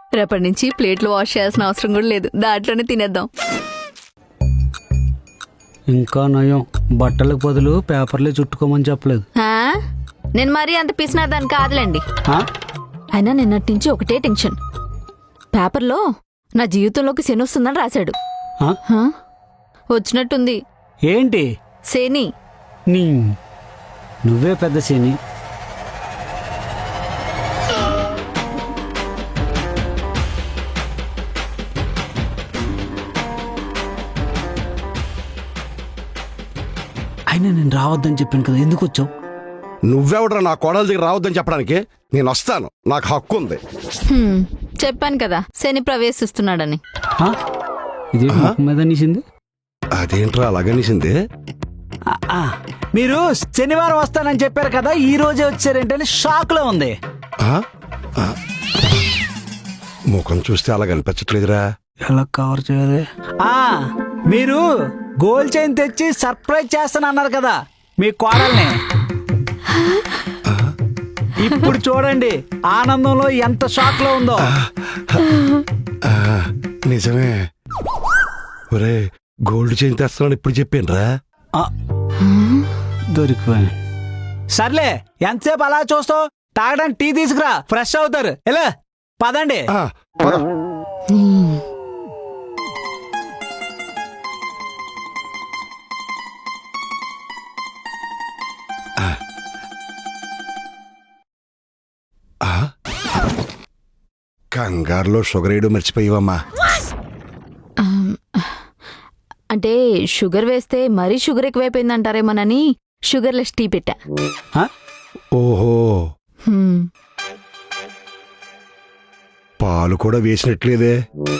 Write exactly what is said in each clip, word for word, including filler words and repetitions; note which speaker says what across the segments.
Speaker 1: రేపటి నుంచి ప్లేట్లు వాష్ చేయాల్సిన అవసరం కూడా లేదు, దాంట్లోనే తినేద్దాం.
Speaker 2: ఇంకా నయం, బట్టలకు బదులు పేపర్లే చుట్టుకోమని చెప్పలేదు.
Speaker 1: ఆ? నేను మరీ అంత పిసినాదాన్ని కాదులేండి.
Speaker 2: ఆ?
Speaker 1: అయినా నిన్నటి నుంచి ఒకటే టెన్షన్. పేపర్లో నా జీవితంలోకి శని వస్తుందని రాశాడు.
Speaker 2: ఆ?
Speaker 1: హా? వచ్చినట్టుంది.
Speaker 2: ఏంటి
Speaker 1: శని.
Speaker 2: నీ నువ్వే పెద్ద శని. అయినా నేను రావద్దని చెప్పాను కదా, ఎందుకు వచ్చావు?
Speaker 3: నువ్వెవడరా నా కోడల దగ్గర రావద్దని చెప్పడానికి? నేను వస్తాను, నాకు హక్కు ఉంది.
Speaker 1: హ్మ్, చెప్పాను కదా శని ప్రవేశిస్తున్నాడని.
Speaker 2: ఆ? ఇది ముఖం మీద నీసింది.
Speaker 3: అదేంట్రా అలాగనిసింది?
Speaker 2: ఆ, ఆ. మీరు శనివారం వస్తానని చెప్పారు కదా, ఈ రోజే వచ్చారేంటని షాక్ లో ఉంది.
Speaker 3: ఆ? ఆ. ముఖం చూస్తే అలా కనిపించట్లేదురా.
Speaker 2: ఎలా కవర్ చేయాలి? ఆ, మీరు గోల్డ్ చైన్ తెచ్చి సర్ప్రైజ్ చేస్తానన్నారు కదా మీ కోడల్ని. ఇప్పుడు చూడండి ఆనందంలో ఎంత షాక్ లో ఉందో.
Speaker 3: ఆ, నిజమే. ఒరే, గోల్డ్ చైన్ తెస్తానని ఇప్పుడు చెప్పానురా.
Speaker 2: ఆ, దొరికిపోయాను. సర్లే, ఎంతసేపు అలా చూస్తావు? తాగడానికి టీ తీసుకురా, ఫ్రెష్ అవుతారు. ఎలా పదండి.
Speaker 3: ఆ, పద. ఆ? కంగారులో షుగర్ వేయడం మర్చిపోయావమ్మా.
Speaker 1: అంటే షుగర్ వేస్తే మరీ షుగర్ ఎక్కువైపోయింది అంటారేమోనని షుగర్లెస్ టీ పెట్టా.
Speaker 2: ఆ?
Speaker 3: ఓహో,
Speaker 1: హ్మ్.
Speaker 3: పాలు కూడా వేసినట్లేదే.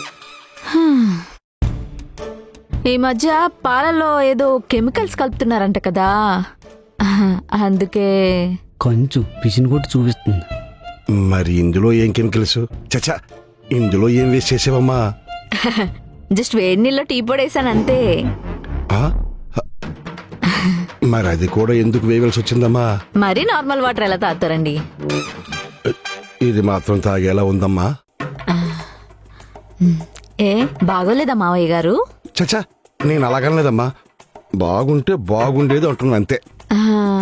Speaker 1: ఈ మధ్య పాలలో ఏదో కెమికల్స్ కలుపుతున్నారంట కదా, అందుకే.
Speaker 2: కొంచెం పిసిని కొట్టి చూపిస్తుంది.
Speaker 3: మరి ఇందులో ఏం కెమికల్స్? చచ్చా, ఇందులో ఏం వేస్ట్ చేసావమ్మా?
Speaker 1: జస్ట్ వేడి నీళ్ళలో టీ పొడి వేసాను అంతే.
Speaker 3: ఆ? మరి అది కూడా ఎందుకు వేయవలసి వచ్చిందమ్మా?
Speaker 1: మరీ నార్మల్ వాటర్ ఎలా తాగుతారండి?
Speaker 3: ఇది మాత్రం తాగేలా ఉందమ్మా.
Speaker 1: ఏ బాగోలేదా మావయ్య గారు?
Speaker 3: చచ్చా, నేను అలాగనలేదమ్మా. బాగుంటే బాగుండేది అంటున్నా అంతే.
Speaker 1: ఆ,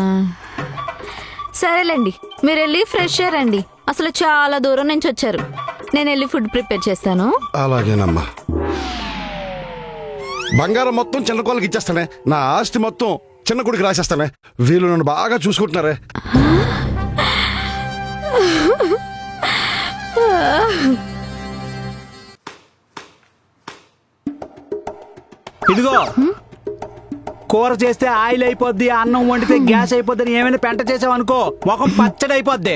Speaker 1: సరేలేండి, మీరు వెళ్ళి ఫ్రెష్ అయ్యారండి. అసలు చాలా దూరం నుంచి వచ్చారు. నేను వెళ్ళి ఫుడ్ ప్రిపేర్ చేస్తాను.
Speaker 3: అలాగేనమ్మా. బంగారం మొత్తం చిన్న కోళ్ళకి ఇచ్చేస్తానే, నా ఆస్తి మొత్తం చిన్న కొడుకు రాసేస్తానే. వీళ్ళు నన్ను బాగా చూసుకుంటున్నారే.
Speaker 2: ఇదిగో, కూర చేస్తే ఆయిల్ అయిపోద్ది, అన్నం వండితే గ్యాస్ అయిపోద్ది అని ఏమైనా పెంట చేసావు అనుకో, ముఖం పచ్చడి అయిపోద్ది.